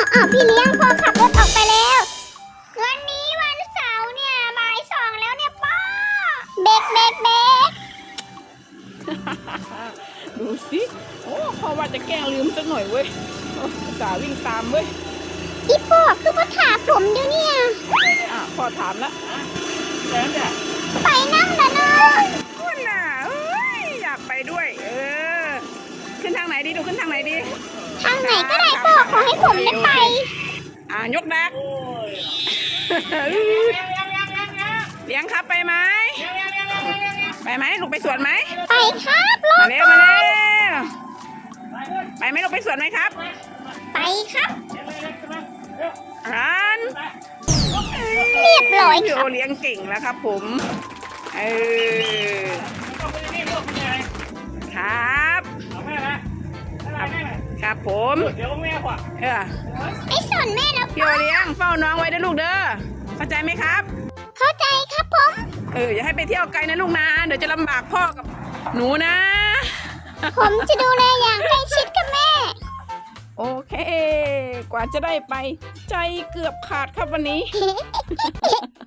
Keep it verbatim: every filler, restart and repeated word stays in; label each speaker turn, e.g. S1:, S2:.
S1: อ้าวพี่เลี้ยงพ่อขับรถออกไปแล้ววันนี้วันเสาร์เนี่ยบ่ายสองแล้วเนี่ยป้าเบรกเบรกเบรก
S2: ดูสิโอ้พ่อว่าจะแกล้งลืมสักหน่อยเว้ยอุตส่าห์วิ่งตามเว้ย
S1: อีพ่อคือมาถามผมเดี๋ยวเนี่ย
S2: อ่ะพ่อถามละแล้วเนี่ย
S1: ไปนั่งนะเนาะ
S2: คุณน่ะเอ้ยอยากไปด้วย เออขึ้นทางไหนดีดูขึ้นทางไหนดี
S1: ทางไหนก็ได้พ่อขอให้ผมได้ไป
S2: อ่ายกดักเลี้ยงครับไปไหมไปไหมลูกไปสวนไหม
S1: ไปครับรถ
S2: มาเร็วมาเร็วไปไหมลูกไปสวนไหมครับ
S1: ไปครับ
S2: รัน
S1: เรียบร้อย
S2: พี่
S1: ค
S2: โอ
S1: รับ
S2: เลี้ยงเก่งแล้วครับผมเออครับครับผมเออ
S1: ไม่สนแม่แล้ว
S2: พี่โอเลี้ยงเฝ้าน้องไว้นะลูกเด้อเข้าใจไหมครับ
S1: เข้าใจครับผม
S2: เอออย่าให้ไปเที่ยวไกลนะลูกนะเดี๋ยวจะลำบากพ่อกับหนูนะ
S1: ผมจะดูแลอย่างใกล้ชิดกับแม่
S2: โอเค กว่าจะได้ไปใจเกือบขาดครับวันนี้